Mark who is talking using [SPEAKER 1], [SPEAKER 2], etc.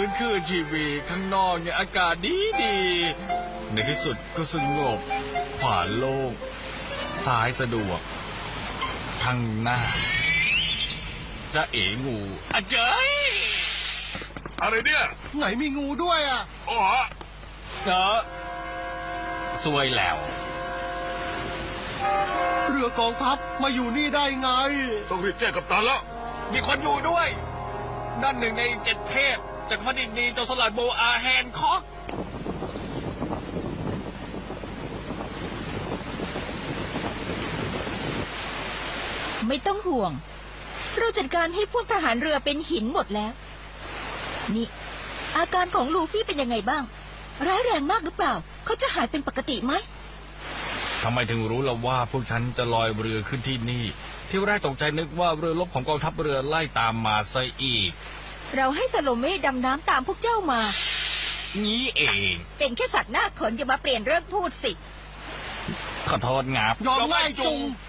[SPEAKER 1] ฟื้นคืนชีวิตข้างนอกเนี่ยอากาศดีในที่สุดก็สงบขวาโล่งซ้ายสะดวกข้างหน้าจะเอ๋งูอะเจ้ย
[SPEAKER 2] อะไรเนี่ย
[SPEAKER 3] ไหนมีงูด้วยอ่ะ
[SPEAKER 2] อ๋อ
[SPEAKER 1] เนอะสวยแล้ว
[SPEAKER 3] เรือกองทัพมาอยู่นี่ได้ไง
[SPEAKER 2] ต้องรีบแจ้งกัปตันแล้ว
[SPEAKER 1] มีคนอยู่ด้วยนั่นหนึ่งใน7 เทพจักรพรรดินีโจรสลัดโบอาแฮนคอก
[SPEAKER 4] ไม่ต้องห่วง เราจัดการให้พวกทหารเรือเป็นหินหมดแล้ว นี่ อาการของลูฟี่เป็นยังไงบ้าง ร้ายแรงมากหรือเปล่า เขาจะหายเป็นปกติไหม
[SPEAKER 1] ทำไมถึงรู้ล่ะว่าพวกฉันจะลอยเรือขึ้นที่นี่ ที่แรกตกใจนึกว่าเรือรบของกองทัพเรือไล่ตามมาซะอีก
[SPEAKER 4] เราให้สโลเม่ดำน้ำตามพวกเจ้ามา
[SPEAKER 1] งี้เอง
[SPEAKER 4] เป็นแค่สัตว์หน้าขนอย่ามาเปลี่ยนเรื่องพูดสิ
[SPEAKER 1] ขอโทษงับ
[SPEAKER 3] ยอมง่ายจุง